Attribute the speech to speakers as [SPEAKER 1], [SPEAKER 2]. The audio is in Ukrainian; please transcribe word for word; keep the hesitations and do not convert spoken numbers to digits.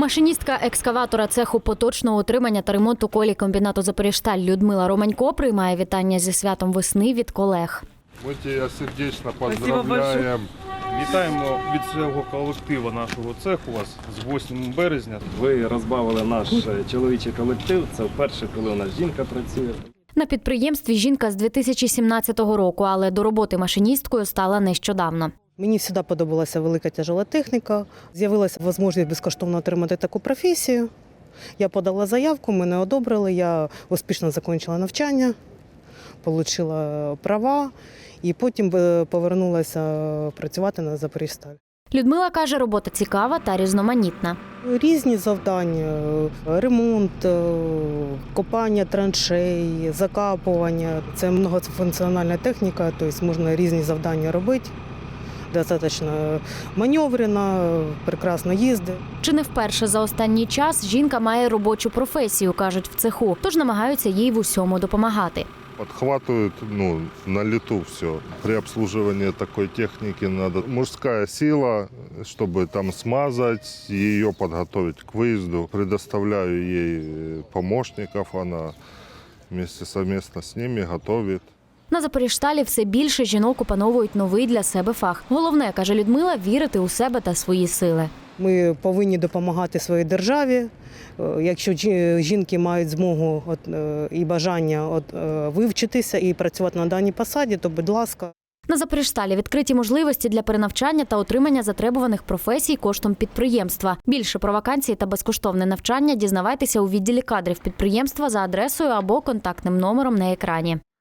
[SPEAKER 1] Машиністка екскаватора цеху поточного утримання та ремонту колій комбінату «Запоріжсталь» Людмила Романько приймає вітання зі святом весни від колег.
[SPEAKER 2] Ми тебе сердечно поздравляємо.
[SPEAKER 3] Вітаємо від всього колективу нашого цеху вас з восьмим березня.
[SPEAKER 4] Ви розбавили наш чоловічий колектив. Це вперше, коли у нас жінка працює.
[SPEAKER 1] На підприємстві жінка з дві тисячі сімнадцятого року, але до роботи машиністкою стала нещодавно.
[SPEAKER 5] Мені завжди подобалася велика тяжела техніка. З'явилася можливість безкоштовно отримати таку професію. Я подала заявку, мене одобрили, я успішно закінчила навчання, отримала права і потім повернулася працювати на «Запоріжсталь».
[SPEAKER 1] Людмила каже, робота цікава та різноманітна.
[SPEAKER 5] Різні завдання – ремонт, копання траншей, закапування. Це багатофункціональна техніка, тобто можна різні завдання робити. Достатньо маневрена, прекрасно їздить.
[SPEAKER 1] Чи не вперше за останній час жінка має робочу професію, кажуть в цеху, тож намагаються їй в усьому допомагати.
[SPEAKER 2] Подхватывают ну, на лету все. При обслуживании такой техники надо мужская сила, чтобы там смазать, ее подготовить к выезду. Предоставляю ей помощников, она вместе совместно с ними готовит.
[SPEAKER 1] На «Запоріжсталі» все більше жінок опановують новий для себе фах. Головне, каже Людмила, вірити у себе та свої сили.
[SPEAKER 5] Ми повинні допомагати своїй державі. Якщо жінки мають змогу і бажання вивчитися і працювати на даній посаді, то будь ласка.
[SPEAKER 1] На «Запоріжсталі» відкриті можливості для перенавчання та отримання затребуваних професій коштом підприємства. Більше про вакансії та безкоштовне навчання дізнавайтеся у відділі кадрів підприємства за адресою або контактним номером на екрані.